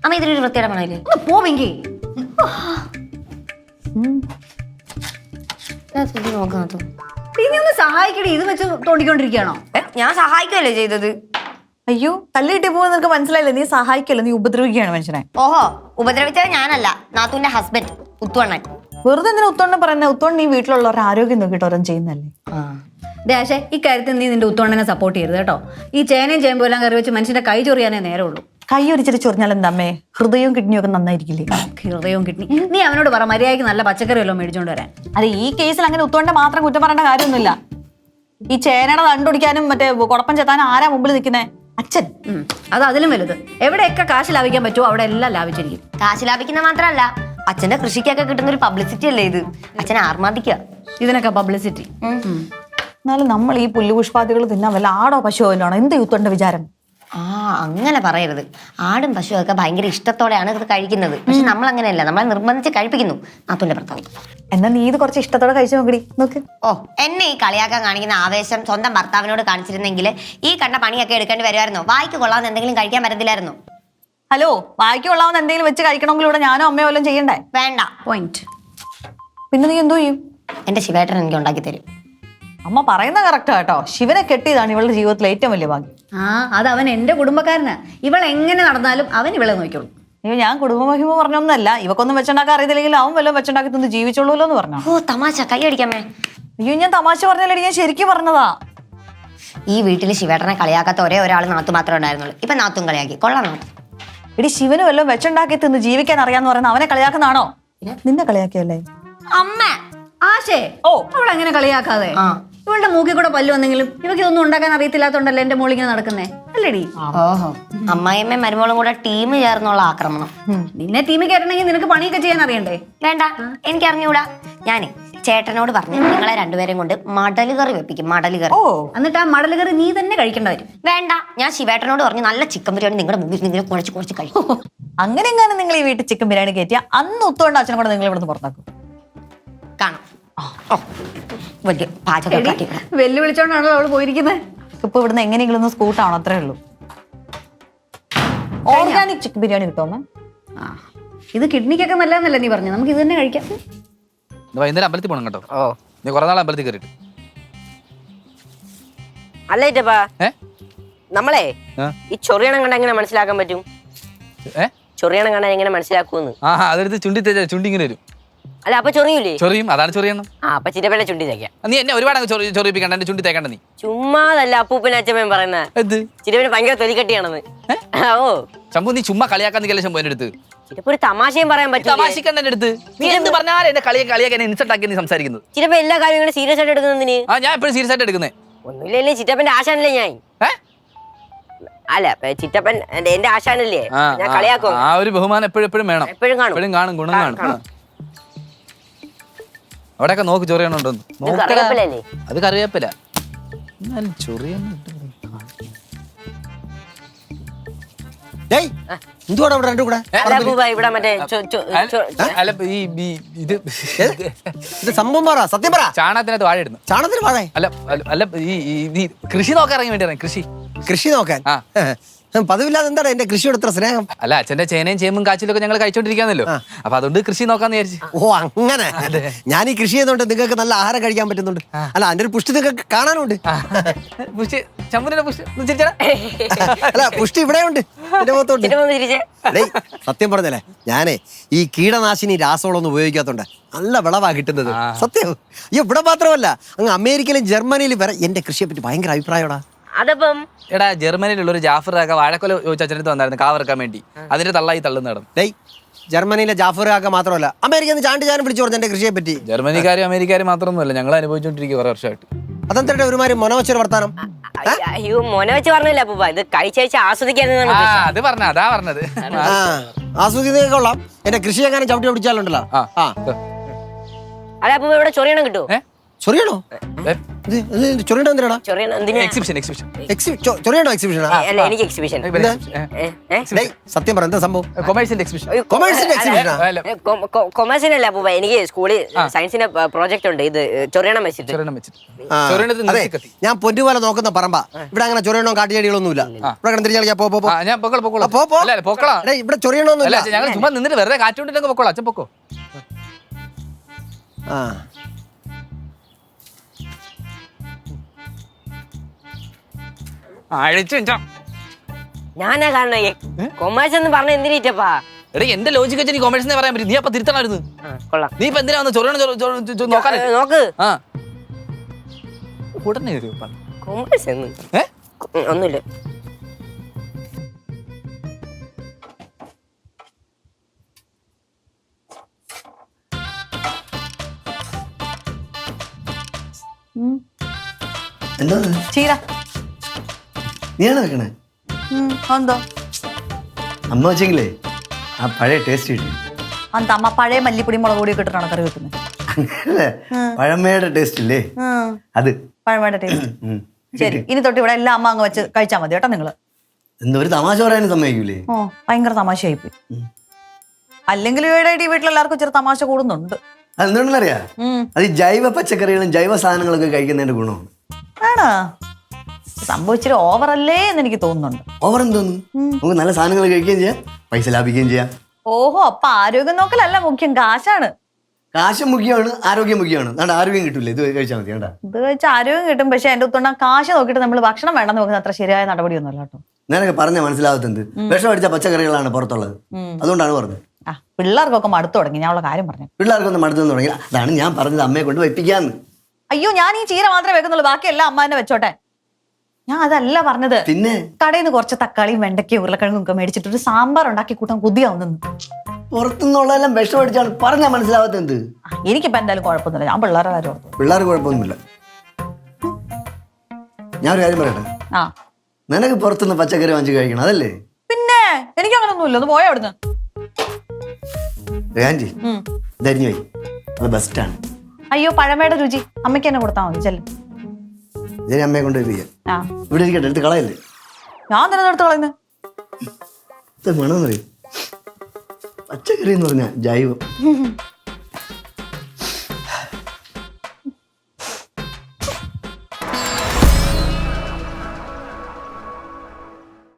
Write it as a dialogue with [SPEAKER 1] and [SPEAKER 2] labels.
[SPEAKER 1] അമ്മ ഇതിലൊരു വൃത്തിയുടെ മണമില്ലേ?
[SPEAKER 2] ഒന്ന് പോവെങ്കി
[SPEAKER 1] നോക്കാത്ത
[SPEAKER 2] നീ ഒന്ന് സഹായിക്കടി. ഇത് വെച്ച് തോണ്ടിക്കൊണ്ടിരിക്കുകയാണോ?
[SPEAKER 1] ഞാൻ സഹായിക്കുമല്ലേ ചെയ്തത്?
[SPEAKER 3] അയ്യോ തല്ല് കിട്ടി പോകുന്ന നിനക്ക് മനസ്സിലായില്ല. നീ സഹായിക്കല്ല, നീ ഉപദ്രവിക്കുകയാണ് മനുഷ്യനെ.
[SPEAKER 1] ഓഹോ, ഉപദ്രവിച്ചത് ഞാനല്ല, നാത്തൂന്റെ ഹസ്ബൻഡ് ഉത്തുവണ്ണൻ.
[SPEAKER 3] വെറുതെ എന്തിനാ ഉത്തോണ്ണം പറയുന്നത്? ഉത്തോണ്ട് നീ വീട്ടിലുള്ളവരുടെ ആരോഗ്യം നോക്കിയിട്ട് ഓരോന്നും ചെയ്യുന്നല്ലേ.
[SPEAKER 2] ദേശേ ഈ കാര്യത്തിൽ നീ നിന്റെ ഉത്തോണ്ണനെ സപ്പോർട്ട് ചെയ്യരുത് കേട്ടോ. ഈ ചേനയും ചേമ്പും എല്ലാം കറി വെച്ച് മനുഷ്യന്റെ കൈ ചൊറിയാനേ നേരമുള്ളൂ.
[SPEAKER 3] കൈ ഒരിച്ചിട്ട് ചൊറിഞ്ഞാൽ എന്താമ്മേ? ഹൃദയവും കിഡ്നിയും ഒക്കെ നന്നായിരിക്കില്ലേ?
[SPEAKER 2] ഹൃദയവും കിഡ്നി നീ അവനോട് പറ മര്യാദയ്ക്ക് നല്ല പച്ചക്കറി വല്ലതും മേടിച്ചോണ്ട് വരാൻ.
[SPEAKER 3] അതെ, ഈ കേസിൽ അങ്ങനെ ഉത്തോണ്ടെ മാത്രം കുറ്റം പറയേണ്ട കാര്യമൊന്നുമില്ല. ഈ ചേനയുടെ തണ്ടുപിടിക്കാനും മറ്റേ കുഴപ്പം ചെത്താനും ആരാ മുമ്പിൽ നിൽക്കുന്നേ? അച്ഛൻ.
[SPEAKER 2] അത് അതിലും വലുത്. എവിടെയൊക്കെ കാശ് ലാഭിക്കാൻ പറ്റുമോ അവിടെ എല്ലാം ലാഭിച്ചിരിക്കും.
[SPEAKER 1] കാശ് ലാഭിക്കുന്ന മാത്രമല്ല, അച്ഛന്റെ കൃഷിക്കൊക്കെ കിട്ടുന്ന ഒരു പബ്ലിസിറ്റി അല്ലേ ഇത്. അച്ഛനെ ആർമാദിക്കുക
[SPEAKER 2] ഇതിനൊക്കെ പബ്ലിസിറ്റി.
[SPEAKER 3] എന്നാലും നമ്മൾ ഈ പുല്ലുപുഷ്പാദികൾ തിന്നാൻ വല്ല ആടോ പശുവോ വല്ലതാണോ? എന്ത് ഉത്തോണ്ട വിചാരം?
[SPEAKER 1] അങ്ങനെ പറയരുത്. ആടും പശുവും ഒക്കെ ഭയങ്കര ഇഷ്ടത്തോടെയാണ് ഇത് കഴിക്കുന്നത്. പക്ഷെ നമ്മൾ അങ്ങനെയല്ല, നമ്മളെ നിർബന്ധിച്ച് കഴിപ്പിക്കുന്നു നാത്തൂന്റെ ഭർത്താവ്.
[SPEAKER 3] എന്നാ നീ ഇത് കുറച്ച് ഇഷ്ടത്തോടെ കഴിച്ചു നോക്കടി. നോക്ക്.
[SPEAKER 1] ഓ, എന്നെ ഈ കളിയാക്കാൻ കാണിക്കുന്ന ആവേശം സ്വന്തം ഭർത്താവിനോട് കാണിച്ചിരുന്നെങ്കിൽ ഈ കണ്ട പണിയൊക്കെ എടുക്കേണ്ടി വരുമായിരുന്നോ? വായിക്ക് കൊള്ളാവുന്ന എന്തെങ്കിലും കഴിക്കാൻ പറ്റത്തില്ലായിരുന്നോ?
[SPEAKER 3] ഹലോ, വായിക്ക് കൊള്ളാവുന്ന എന്തെങ്കിലും വെച്ച് കഴിക്കണമെങ്കിൽ ഇവിടെ ഞാനോ അമ്മയോ വല്ലതും ചെയ്യണ്ടേ?
[SPEAKER 1] വേണ്ട.
[SPEAKER 2] പോയിന്റ്.
[SPEAKER 3] പിന്നെ നീ എന്തോ ചെയ്യും?
[SPEAKER 1] എന്റെ ശിവേട്ടൻ എനിക്ക് ഉണ്ടാക്കി തരും.
[SPEAKER 3] അമ്മ പറയുന്ന കറക്റ്റാ കേട്ടോ. ശിവനെ കെട്ടിയതാണ് ഇവളുടെ ജീവിതത്തിലെ ഏറ്റവും വലിയ ഭാഗ്യം.
[SPEAKER 2] അത് അവൻ എന്റെ കുടുംബക്കാരനാ. ഇവൾ എങ്ങനെ നടന്നാലും അവൻ ഇവളെ നോക്കിയോളൂ.
[SPEAKER 3] അയ്യോ, ഞാൻ കുടുംബമഹിമ പറഞ്ഞൊന്നല്ല. ഇവക്കൊന്നും വെച്ചുണ്ടാക്കാൻ അറിയത്തില്ലെങ്കിൽ അവൻ വല്ലതും വെച്ചുണ്ടാക്കി തന്ന് ജീവിച്ചോളൂല്ലോ എന്ന് പറഞ്ഞു.
[SPEAKER 1] ഓ തമാശ, കൈ അടിക്കാമേ.
[SPEAKER 3] അയ്യോ, ഞാൻ തമാശ പറഞ്ഞല്ലേ, ഞാൻ ശരിക്കും പറഞ്ഞതാ.
[SPEAKER 1] ഈ വീട്ടിൽ ശിവേട്ടനെ കളിയാക്കാത്ത ഒരേ ഒരാൾ നാത്തു മാത്രമേ ഉണ്ടായിരുന്നുള്ളൂ. ഇപ്പൊ നാത്തും കളിയാക്കി. കൊള്ളാം നാത്തു.
[SPEAKER 3] എടി, ശിവന് വല്ലതും വെച്ചുണ്ടാക്കി തിന്ന് ജീവിക്കാൻ അറിയാന്ന് പറയുന്ന അവനെ കളിയാക്കുന്നതാണോ? നിന്നെ കളിയാക്കിയല്ലേ
[SPEAKER 1] അമ്മ.
[SPEAKER 2] ആശേ, അവൾ എങ്ങനെ കളിയാക്കാതെ? ഇവളുടെ മൂക്കിൽ കൂടെ പല്ല് വന്നെങ്കിലും ഇവക്ക് ഇതൊന്നും ഉണ്ടാക്കാൻ അറിയത്തില്ലാത്തോണ്ടല്ലേ എന്റെ മോൾ ഇങ്ങനെ നടക്കുന്നേ, അല്ലേടി?
[SPEAKER 1] ഓഹോ, അമ്മായിയമ്മയും മരുമോളും കൂടെ ടീം ചേർന്നുള്ള ആക്രമണം.
[SPEAKER 2] നിന്നെ ടീമിൽ കയറണമെങ്കിൽ നിനക്ക് പണിയൊക്കെ ചെയ്യാൻ അറിയണ്ടേ?
[SPEAKER 1] വേണ്ട, എനിക്ക് അറിഞ്ഞൂടാ. ഞാനേ ചേട്ടനോട് പറഞ്ഞു നിങ്ങളെ രണ്ടുപേരും കൊണ്ട് മടല് കറി വെപ്പിക്കും. മടല് കറി.
[SPEAKER 2] എന്നിട്ട് ആ മടല് കറി നീ തന്നെ കഴിക്കേണ്ട വരും.
[SPEAKER 1] വേണ്ട, ഞാൻ ശിവേട്ടനോട് പറഞ്ഞു നല്ല ചിക്കൻ ബിരിയാണി നിങ്ങളുടെ മുമ്പിൽ നിങ്ങൾ കുഴച്ച് കഴിക്കും.
[SPEAKER 3] അങ്ങനെ എങ്ങാനും നിങ്ങൾ ഈ വീട്ടിൽ ചിക്കൻ ബിരിയാണി കയറ്റിയ അന്ന് ഒത്തുകൊണ്ട് അച്ഛനെ കൂടെ നിങ്ങൾ ഇവിടുന്ന് പുറത്താക്കും.
[SPEAKER 1] കാണാം. വലിയ പാചകം
[SPEAKER 2] വെല്ലുവിളിച്ചോണ്ടാണല്ലോ അവള് പോയിരിക്കുന്നത്.
[SPEAKER 3] ഇപ്പൊ ഇവിടുന്ന് എങ്ങനെയെങ്കിലും ഒന്ന് സ്കൂട്ടാണോ? അത്രേ ഉള്ളൂ. ഓർഗാനിക് ചിക്കൻ ബിരിയാണി കിട്ടുമോ?
[SPEAKER 2] ഇത് കിഡ്നിക്കൊക്കെ നല്ലതെന്നല്ലേ നീ പറഞ്ഞു? നമുക്ക് ഇത് തന്നെ കഴിക്കാം.
[SPEAKER 4] വൈകുന്നേരം അമ്പലത്തിൽ പോകണം കേട്ടോ. നീ കുറെ നാൾ അമ്പലത്തിൽ കയറിയിട്ട്
[SPEAKER 5] അല്ലേറ്റപ്പാ. നമ്മളെ ഈ ചൊറിയണം കണ്ട എങ്ങനെ മനസ്സിലാക്കാൻ പറ്റും? ചൊറിയണം കണ്ട എങ്ങനെ മനസ്സിലാക്കൂന്ന്?
[SPEAKER 4] അതെടുത്ത് ചുണ്ടി തേച്ചാ ചുണ്ടി ഇങ്ങനെ വരും.
[SPEAKER 5] അല്ല, അപ്പൊ ചൊറിയൂലേ?
[SPEAKER 4] ചൊറിയും, അതാണ് ചൊറിയണം.
[SPEAKER 5] അപ്പൊ ചിറ്റപ്പന്റെ ചുണ്ടി തേക്കാം.
[SPEAKER 4] നീ എന്നെ ഒരുപാട് ചൊറിയിപ്പിക്കണ്ട, എന്റെ ചുണ്ടി തേക്കണ്ട നീ.
[SPEAKER 5] ചുമ്മാതല്ല അപ്പൂപ്പൻ അച്ഛമ്മയും പറയുന്നത്. ചിറ്റപ്പന് ഭയങ്കര തൊലിക്കട്ടിയാണെന്ന്. ഓ
[SPEAKER 4] ശംഭു, നീ ചുമ്മാ കളിയാക്കാൻ നിൽക്കല്ലേ ശംഭു എന്റെ അടുത്ത്.
[SPEAKER 5] ചിറ്റപ്പ ഒരു തമാശയും പറയാൻ പറ്റും.
[SPEAKER 4] തമാശിക്കണ്ട എന്റെ അടുത്ത്. നീ എന്ത് പറഞ്ഞാലും എന്നെ കളിയാക്കാൻ ഇൻസൾട്ട് ആക്കി നീ സംസാരിക്കുന്നത്.
[SPEAKER 5] ചിറ്റപ്പ എല്ലാ കാര്യവും ഇങ്ങനെ സീരിയസ് ആയിട്ട് എടുക്കുന്നതിന്?
[SPEAKER 4] ഞാൻ എപ്പോഴും സീരിയസ് ആയിട്ട് എടുക്കുന്നേ.
[SPEAKER 5] ഒന്നുമില്ലേ, ചിറ്റപ്പന്റെ ആശാനല്ലേ ഞാൻ. അല്ല, ചിറ്റപ്പൻ എന്റെ ആശാനല്ലേ, ഞാൻ കളിയാക്കും.
[SPEAKER 4] ആ ഒരു ബഹുമാനം എപ്പോഴും വേണം.
[SPEAKER 5] എപ്പോഴും
[SPEAKER 4] കാണും, ഗുണം കാണും. അവിടെയൊക്കെ നോക്ക് ചൊറിയണുണ്ടോ? അത് കറിവേപ്പില. ചാണകത്തിനകത്ത് വാഴ ഇടുന്നു.
[SPEAKER 6] ചാണകത്തിന് വാഴ?
[SPEAKER 4] അല്ല, ഈ കൃഷി നോക്കാൻ ഇറങ്ങി വേണ്ടി
[SPEAKER 6] കൃഷി നോക്കാൻ പതിവില്ലാതെ എന്താണ് എന്റെ കൃഷിയോട് ഇത്ര സ്നേഹം?
[SPEAKER 4] അല്ല, അച്ഛന്റെ ചേനയും ചേമ്പും കാച്ചിലൊക്കെ ഞങ്ങൾ കഴിച്ചോണ്ടിരിക്കാന്നല്ലോ. അപ്പൊ അതുകൊണ്ട് കൃഷി നോക്കാന്ന് വിചാരിച്ചു.
[SPEAKER 6] ഓ അങ്ങനെ. ഞാൻ ഈ കൃഷി ചെയ്യുന്നോണ്ട് നിങ്ങൾക്ക് നല്ല ആഹാരം കഴിക്കാൻ പറ്റുന്നുണ്ട്. അല്ല, അതിന്റെ ഒരു പുഷ്ടി നിങ്ങൾക്ക് കാണാനുണ്ട്. അല്ല, പുഷ്ടി ഇവിടെ ഉണ്ട് എന്റെ മുഖത്തോണ്ട്. സത്യം പറഞ്ഞല്ലേ, ഞാനേ ഈ കീടനാശിനി രാസവളമൊന്നും ഉപയോഗിക്കാത്തോണ്ട് നല്ല വിളവാ കിട്ടുന്നത്. സത്യം. ഇവിടെ മാത്രമല്ല, അങ്ങ് അമേരിക്കയിലും ജർമ്മനിയിലും വരെ എന്റെ കൃഷിയെ പറ്റി ഭയങ്കര അഭിപ്രായമാടാ.
[SPEAKER 5] അതപ്പം
[SPEAKER 4] എടാ, ജർമ്മനിയിലുള്ള ഒരു ജാഫർ കാക്ക വാഴക്കൊല ചോദിച്ചടുത്ത് വന്നായിരുന്നു കാവറക്കാൻ വേണ്ടി. അതിന്റെ തള്ളായി തള്ളുന്ന ഇടം.
[SPEAKER 6] ജർമ്മനിയിലെ ജാഫർ കാക്ക മാത്രമല്ല, അമേരിക്കയിൽ നിന്ന് ചാണ്ടി ചാനും വിളിച്ചു പറഞ്ഞു എന്റെ കൃഷിയെ പറ്റി.
[SPEAKER 4] ജർമ്മനിക്കാരും അമേരിക്കാരും മാത്രമൊന്നുമല്ല, ഞങ്ങൾ അനുഭവിച്ചോണ്ടിരിക്കും കുറെ വർഷമായിട്ട്.
[SPEAKER 6] അതെന്താ ഒരുമാതിരി മൊനവച്ചൊരു വർത്താനം?
[SPEAKER 5] അയ്യോ, മോനെ വെച്ച് പറഞ്ഞില്ല അപ്പൂപ്പ, ഇത് കഴിച്ചയച്ച് ആസ്വദിക്കാൻ.
[SPEAKER 4] അത് പറഞ്ഞ അതാ പറഞ്ഞത്.
[SPEAKER 6] ആസ്വദിക്കുന്നതൊക്കെ കൊള്ളാം. എന്റെ കൃഷി എങ്ങനെ ചവിട്ടി പിടിച്ചാലുണ്ടല്ലോ.
[SPEAKER 5] അല്ല അപ്പൂപ്പ, ഇവിടെ ചൊറിയണം കിട്ടുമോ?
[SPEAKER 6] ചൊറിയണോ? ചൊറിയണ എന്തിനാടാ?
[SPEAKER 5] ചൊറിയണം എന്തിനാ?
[SPEAKER 4] എക്സിബിഷൻ
[SPEAKER 6] ചൊറിയണോ എക്സിബിഷനാ?
[SPEAKER 5] അല്ല എനിക്ക് എക്സിബിഷൻ.
[SPEAKER 6] സത്യം പറ എന്താ സംഭവം?
[SPEAKER 4] കൊമേഴ്സിന്റെ എക്സിബിഷൻ.
[SPEAKER 6] കൊമേഴ്സിന്റെ എക്സിബിഷനാ?
[SPEAKER 5] കൊമേഴ്സിനല്ല അപ്പൂപ്പ, എനിക്ക് സ്കൂളിൽ സയൻസിന്റെ പ്രോജക്റ്റ് ഉണ്ട്, ഇത് ചൊറിയണം വെച്ചിട്ട്.
[SPEAKER 6] ആ, അതെ, ഞാൻ പൊന്നുപോലെ നോക്കുന്ന പറമ്പ. ഇവിടെ അങ്ങനെ ചൊറിയണോ കാട്ടിയടികളൊന്നുമില്ല. ഇവിടെ തിരിച്ചാൽ പോ പോ.
[SPEAKER 4] ഞാൻ പൊക്കോളാം.
[SPEAKER 6] പോ, പോ.
[SPEAKER 4] അല്ല, പൊക്കോളാം.
[SPEAKER 6] എടേ, ഇവിടെ ചൊറിയണോന്നില്ല.
[SPEAKER 4] അല്ല, ഞങ്ങൾ ചുമ്മാ നിന്നിട്ട് വെറുതെ കാറ്റുകൊണ്ടിട്ടൊക്കെ പൊക്കോളാം. അച്ഛൻ പൊക്കോ.
[SPEAKER 6] ആ,
[SPEAKER 4] അഴിച്ചു
[SPEAKER 5] ഞാനാ കാണണേ കൊമേഴ്സ് എന്ന് പറഞ്ഞ എന്തിനീറ്റപ്പാ?
[SPEAKER 4] എടേ, എന്റെ ലോജിക്ക് വെച്ച് നീ കൊമേഴ്സിനെ പറയാൻ പറ്റും. നീ അപ്പൊ തിരുത്തണമായിരുന്നു.
[SPEAKER 5] കൊള്ളാം.
[SPEAKER 4] നീ ഇപ്പൊ എന്തിനാ വന്ന് ചൊറിയണം നോക്കാൻ?
[SPEAKER 5] നോക്ക്
[SPEAKER 4] ആ, ഉടനെ വരൂ.
[SPEAKER 5] കൊമേഴ്സ് ഒന്നുമില്ല.
[SPEAKER 6] എന്താ
[SPEAKER 3] ചീര.
[SPEAKER 6] നീയാണ് വെക്കണേ?
[SPEAKER 3] എന്തോ
[SPEAKER 6] അമ്മ വെച്ചെങ്കിലേ ആ പഴയ ടേസ്റ്റ് കിട്ടി.
[SPEAKER 3] അന്ത അമ്മ പഴയ മല്ലിപ്പൊടി മുളക് പൊടി ഇട്ടിട്ടാണ് കറി വെക്കുന്നത്.
[SPEAKER 6] അങ്ങനല്ലേ, പഴമയുടെ ടേസ്റ്റ് ഇല്ലേ അത്.
[SPEAKER 3] പഴമയുടെ ടേസ്റ്റ്. ശരി, ഇനി തൊട്ട് ഇവിടെ എല്ലാം അമ്മ അങ്ങ് വെച്ച് കഴിച്ചാൽ മതി കേട്ടോ നിങ്ങള്.
[SPEAKER 6] എന്താ ഒരു തമാശ പറയാനും സമ്മതിക്കൂലേ?
[SPEAKER 3] ഓ, ഭയങ്കര തമാശയായിപ്പോയി. അല്ലെങ്കിൽ ഇവിടെ ഈ വീട്ടിലെല്ലാവർക്കും ചെറു തമാശ കൂടുന്നുണ്ട്.
[SPEAKER 6] അതെന്തുകൊണ്ടറിയാ? അത് ഈ ജൈവ പച്ചക്കറികളും ജൈവ സാധനങ്ങളൊക്കെ കഴിക്കുന്നതിന്റെ ഗുണമാണ്.
[SPEAKER 3] ആണോ? സംഭവിച്ചിട്ട് ഓവറല്ലേ എന്ന് എനിക്ക് തോന്നുന്നുണ്ട്.
[SPEAKER 6] ഓവർ എന്തോന്നു? നമുക്ക് നല്ല സാധനങ്ങൾ കഴിക്കുകയും ചെയ്യാം, പൈസ ലാഭിക്കുകയും ചെയ്യാം.
[SPEAKER 3] ഓഹോ, അപ്പൊ ആരോഗ്യം നോക്കലല്ല മുഖ്യം, കാശാണ്.
[SPEAKER 6] കാശ് മുഖ്യമാണ്, ആരോഗ്യം മുഖ്യമാണ്. അതുകൊണ്ട് ആരോഗ്യം കിട്ടൂലേ, ഇത് കഴിച്ചാൽ മതി. കേട്ടാ,
[SPEAKER 3] ഇത് വെച്ച് ആരോഗ്യം കിട്ടും. പക്ഷെ എന്റെ ഒത്തുണ്ട കാശ് നോക്കിയിട്ട് നമ്മൾ ഭക്ഷണം വേണ്ടെന്ന് നോക്കുന്നത് അത്ര ശരിയായ നടപടിയൊന്നുമല്ല കേട്ടോ.
[SPEAKER 6] ഞാനൊക്കെ പറഞ്ഞ മനസ്സിലാവത്തെന്ത്? വിഷം അടിച്ച പച്ചക്കറികളാണ് പുറത്തുള്ളത്. അതുകൊണ്ടാണ് പറഞ്ഞത്.
[SPEAKER 3] ആ, പിള്ളേർക്കൊക്കെ മടുത്തു തുടങ്ങി. ഞാൻ ഉള്ള കാര്യം പറഞ്ഞു.
[SPEAKER 6] പിള്ളേർക്കൊന്നും മടുത്തു തുടങ്ങി. അതാണ് ഞാൻ പറഞ്ഞത്, അമ്മയെ കൊണ്ട് വയ്പ്പിക്കാന്ന്.
[SPEAKER 3] അയ്യോ, ഞാൻ ഈ ചീര മാത്രമേ വെക്കുന്നുള്ളൂ, ബാക്കി എല്ലാം അമ്മ തന്നെ വെച്ചോട്ടെ. ഞാൻ അതല്ല പറഞ്ഞത്.
[SPEAKER 6] പിന്നെ
[SPEAKER 3] കടയിൽ നിന്ന് കുറച്ച് തക്കാളിയും വെണ്ടയ്ക്കയും ഉരുളക്കിഴങ്ങും ഒക്കെ മേടിച്ചിട്ട് ഒരു സാമ്പാർ ഉണ്ടാക്കി കൂട്ടാൻ കൊതിയാവുന്നു.
[SPEAKER 6] പുറത്തുനിന്നുള്ളതെല്ലാം വിഷം അടിച്ചാണ് പറഞ്ഞാൽ മനസ്സിലാവാത്തെന്ത്?
[SPEAKER 3] എനിക്കിപ്പോ എന്തായാലും കുഴപ്പമൊന്നുമില്ല. ഞാൻ പിള്ളേരെ കാര്യം ഓർത്തു.
[SPEAKER 6] പിള്ളേർക്ക് കുഴപ്പമൊന്നുമില്ല. ഞാൻ ഒരു കാര്യം പറയട്ടെ,
[SPEAKER 3] ആ,
[SPEAKER 6] നിനക്ക് പുറത്തുനിന്ന് പച്ചക്കറി വാങ്ങിച്ച് കഴിക്കണം, അതല്ലേ?
[SPEAKER 3] പിന്നെ എനിക്ക് അങ്ങനൊന്നുമില്ല. ഒന്ന് പോയാ അവിടുന്ന്.
[SPEAKER 6] ആൻറ്റി ധരിഞ്ഞു പോയി, അത് ബെസ്റ്റാണ്.
[SPEAKER 3] അയ്യോ, പഴമയുടെ രുചി അമ്മയ്ക്ക് തന്നെ കൊടുത്താൽ മതി. ചെല്ലും.
[SPEAKER 6] ഇതിനെ അമ്മയെ കൊണ്ട് വയ്പ്പിക്കാം.
[SPEAKER 3] ആ,
[SPEAKER 6] ഇവിടെ ഇരിക്കട്ടെ, എടുത്ത് കളയല്ലേ.
[SPEAKER 3] ഞാൻ തന്നെ എടുത്ത് കളയുന്നത്.
[SPEAKER 6] ഇത് വേണമെന്ന് പറയും. പച്ചക്കറി എന്ന് പറഞ്ഞാൽ ജൈവം.